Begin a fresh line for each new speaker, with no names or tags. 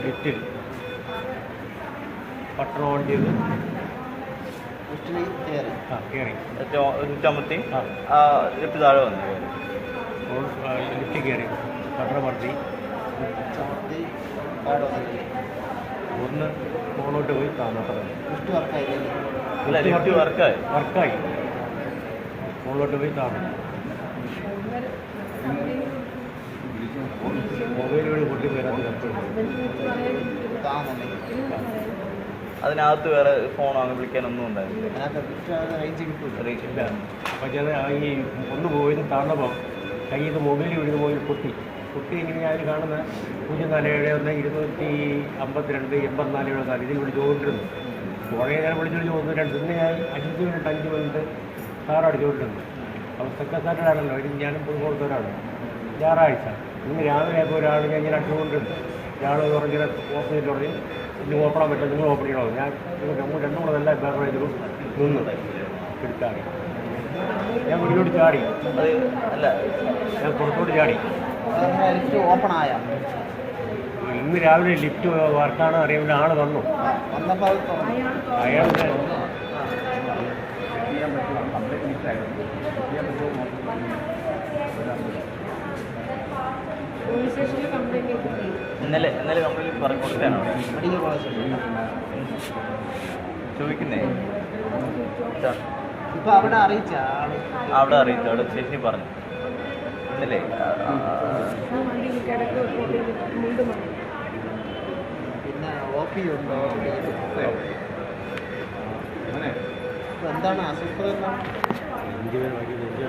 ലിഫ്റ്റിൽ പട്ടണം ഓൺ ചെയ്ത് കയറി
ചുമത്തി ലിഫ്റ്റ് താഴെ വന്നു
ലിഫ്റ്റ് കയറി പട്ടണം മർത്തി ഒന്ന് ഫോണോട്ട് പോയി താമസം വർക്കായി ഫോണിലോട്ട് പോയി താമസം മൊബൈൽ വഴി പൊട്ടി വരാത്ത
അതിനകത്ത് വേറെ ഫോൺ അങ്ങനെ വിളിക്കാനൊന്നും ഉണ്ടായിരുന്നില്ല.
പക്ഷേ ഈ ഒന്ന് പോയി താഴ്ന്നപ്പോൾ കയ്യിൽ നിന്ന് മൊബൈൽ വീഴുന്ന മൊബൈൽ പൊട്ടി ഇങ്ങനെ ഞാൻ കാണുന്ന 0471 252 84 ഇതിൽ വിളിച്ചുകൊണ്ടിരുന്നു. കുറേ നേരം വിളിച്ചു തോന്നുന്നു. പിന്നെ ഞാൻ 5 മിനിറ്റ് സാർ അടിച്ചുകൊണ്ടിരുന്നു. അപ്പോൾ സെക്കൻഡ് സാറ്റർഡേ ആണല്ലോ. ഇതിന് ഞാനും പോയി കൊടുത്തവരാണ്. ഞായറാഴ്ച ഇന്ന് രാവിലെ ആയപ്പോൾ ഒരാൾ ഞാൻ ഇങ്ങനെ അടിച്ചുകൊണ്ടിരുന്നു. ഒരാൾ പറഞ്ഞിങ്ങനെ ഓപ്പൺ ചെയ്തിട്ട് പറഞ്ഞു ഇനി ഓപ്പണാൻ പറ്റില്ല, നിങ്ങൾ ഓപ്പൺ ചെയ്യണോ. ഞാൻ രണ്ടും കൂടെ നല്ല ബേക്കറേജിലും നിന്ന് എടുത്താടി. ഞാൻ വീട്ടിലോട്ട് ചാടി.
അല്ല
ഞാൻ പുറത്തോട്ട് ചാടി.
ഓപ്പണായ
ഇന്ന് രാവിലെ ലിഫ്റ്റ് വർക്കാണ് അറിയാൻ ആൾ വന്നു. അയാൾ
ഇന്നലെ കംപ്ലീറ്റ് പറഞ്ഞു കൊടുക്കാനാണ് ചോദിക്കുന്നേ.
ഇപ്പൊ അവിടെ അറിയിച്ച
അവിടെ ചേച്ചി പറഞ്ഞു ഇന്നലെ.
പിന്നെ OP ഉണ്ടോ? എന്താണ് അസുഖം?